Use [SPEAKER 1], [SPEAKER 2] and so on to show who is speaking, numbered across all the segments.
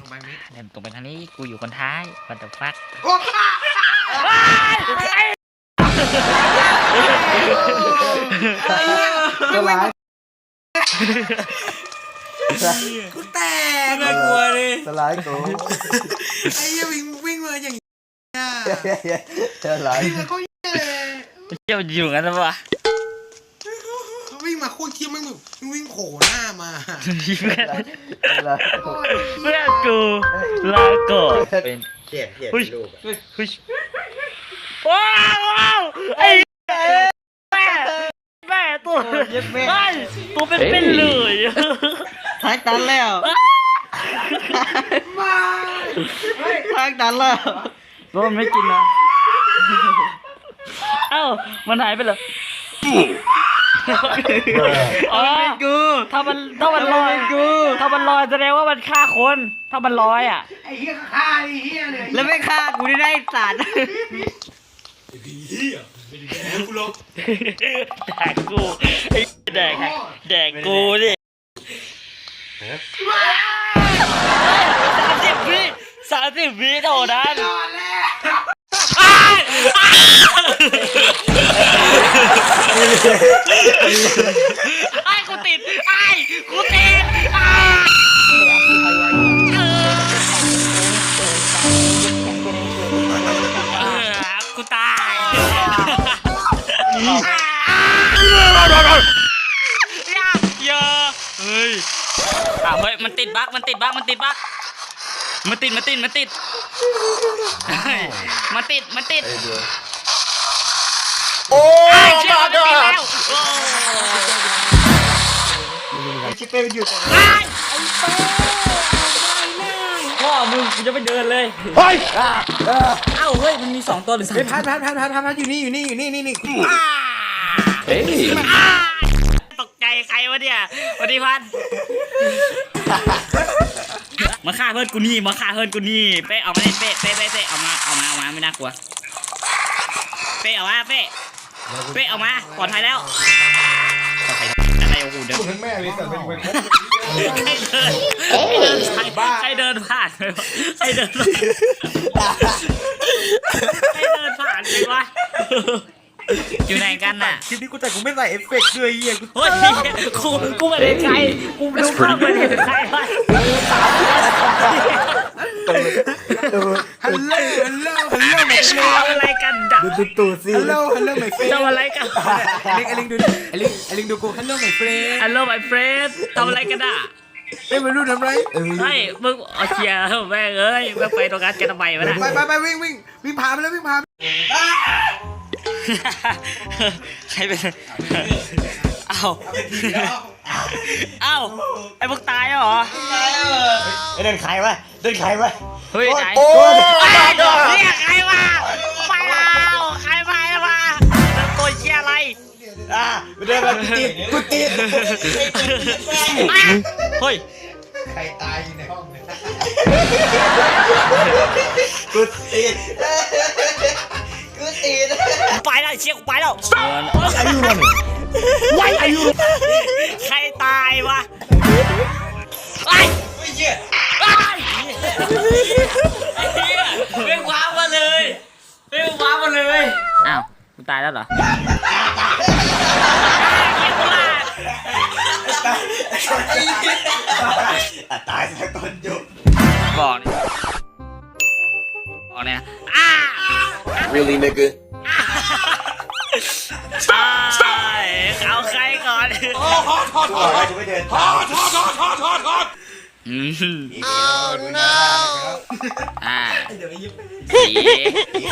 [SPEAKER 1] ไปนี้
[SPEAKER 2] เดินตรงไปทางนี้กูอยู่คนท้ายwhat the fuck
[SPEAKER 3] ตัวร้าย
[SPEAKER 1] กูแตก
[SPEAKER 4] น่ากลัวเลย
[SPEAKER 3] ตัวร้ายกู
[SPEAKER 1] ไอ้ยังวิ่งมาอย่างนี้
[SPEAKER 3] ตัวร้าย
[SPEAKER 1] วิ่งมาเขาเลย
[SPEAKER 2] เที่ยวอยู่กันแล้ววะ
[SPEAKER 1] เขาวิ่งมาโคตรเที่ยมันวิ่งโผล่หน้ามา
[SPEAKER 2] เพื่อน
[SPEAKER 3] ตัวร้าย
[SPEAKER 2] เพื่อนกูลาก่อนเป็น
[SPEAKER 3] เขียนรูป
[SPEAKER 2] เฮ้ยว้าวไอ้แม่ตัวไม่ตัวเป็นเลย
[SPEAKER 3] ทางตันแล้วทางตันแล้วรถไม่กินนะ
[SPEAKER 2] เอ้ามันหายไปเหรออ๋อกูถ้ามันลอยกูถ้ามันลอยแสดงว่ามันฆ่าคนถ้ามันลอยอ่ะ
[SPEAKER 1] ไอ้เหี้ยฆ่าไอ้เหี้ยเลย
[SPEAKER 3] แล้วไม่ฆ่ากูได้สัตว์
[SPEAKER 1] เหี้ยไม่ได้แดกกูหรอก
[SPEAKER 2] แดกกูไอ้แดกกูดิ30 วิเท่านั้นไอ้กูติดกูติดกูตายอย่าเฮ้ยเฮ้ยมันติดบั๊กมันติด
[SPEAKER 3] โอ้ย
[SPEAKER 2] เชื่อมันติดแล้ว
[SPEAKER 3] ชิเป้มันอยู่ตรง
[SPEAKER 2] พ่อมึงกูจะไปเดินเลย
[SPEAKER 3] เฮ้ย
[SPEAKER 2] เอ้าเฮ้ยมันมี2ตัวหรือ3
[SPEAKER 1] ไอ้พัดอยู่นี่
[SPEAKER 3] เฮ้ย
[SPEAKER 2] ตกใจใครวะเนี่ยสวัสดีพันมาฆ่าเพื่อนกูนี่เป้เอามาเป้เอามาไม่น่ากลัวเป้เอามาเป้เอามาปลอดภัยแล้วอะไรโอ้โหเดิน
[SPEAKER 1] ทั้งแม่เลยแต่เป็นคน
[SPEAKER 2] ใครเดินผ่านใครเดินผ่านเลยวะอยู่ไหนกันน่ะ
[SPEAKER 1] คลิปนี้กูแต่กูไม่ใส่เอฟเฟกต์ด้วยเหี้ย
[SPEAKER 2] เฮ้ยกูไม่ได้ใครกูดูภาพไม่ได้ใครวะ
[SPEAKER 1] ฮัลโหลไม่ใช่
[SPEAKER 2] ทำอะไรกันดัก
[SPEAKER 3] ตูสิ
[SPEAKER 1] ฮัลโหลไม่เฟร
[SPEAKER 2] ทำอะไรกัน
[SPEAKER 1] ไอ้ลิงดูดูกูฮัลโหลไม่เฟร
[SPEAKER 2] ฮัลโหลmy friend ทำอะไรกันอ่ะ
[SPEAKER 1] ไอ้ไม่รู้ทำไร
[SPEAKER 2] เฮ้ยมึงเอาเชียร์แม่งเอ้ยมึงไปตรงนั้นกันทำไมวะน่ะ
[SPEAKER 1] ไปวิ่งพาไปแล้ววิ่งพา
[SPEAKER 2] ใครเป็นเอ้าไอ้พวกตายเหรอ
[SPEAKER 3] เดินใครวะเฮ้ยไหน
[SPEAKER 2] โอ้ยเนี่ยใครมาไปแล้วใครมาตัวเชียร์อะไร
[SPEAKER 3] เดินมากูติด
[SPEAKER 2] เฮ้ย
[SPEAKER 1] ใครตายอยู่ในห้องเนี่ย
[SPEAKER 3] กูติด
[SPEAKER 2] ไปแล้วเชียร์กูไปแล้ว
[SPEAKER 3] อายุ
[SPEAKER 2] ใครตายวะไอ้เหี้ยไม่ว้ามาเลยอ้าวกูตายแล้วเหรอ
[SPEAKER 3] ตายสักคนจุบ
[SPEAKER 2] บอกเนี่ย
[SPEAKER 3] really nigga
[SPEAKER 2] เอาใครก่อน
[SPEAKER 3] กูไม่เดิน
[SPEAKER 2] 4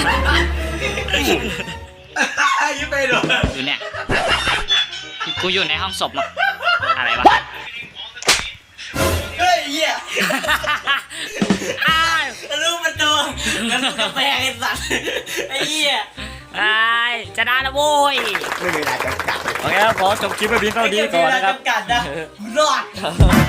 [SPEAKER 2] 3
[SPEAKER 1] ยิ้มไปหรอ
[SPEAKER 2] อยู่เนี่ยกูอยู่ในห้องศพอะไรวะ
[SPEAKER 3] เฮ้ยเหี้ย
[SPEAKER 2] รู้มันตัวแล้วมันกาแฟไอ้สัตว์ไอ้เหี้ยไอ้ชนะแล้วโว้ย
[SPEAKER 3] ไม่มีเวลาจำกัด
[SPEAKER 2] โอเคครับขอจบคลิปไปเพียงเท่านี้ก่อนนะครับ
[SPEAKER 3] จำกัดนะรอด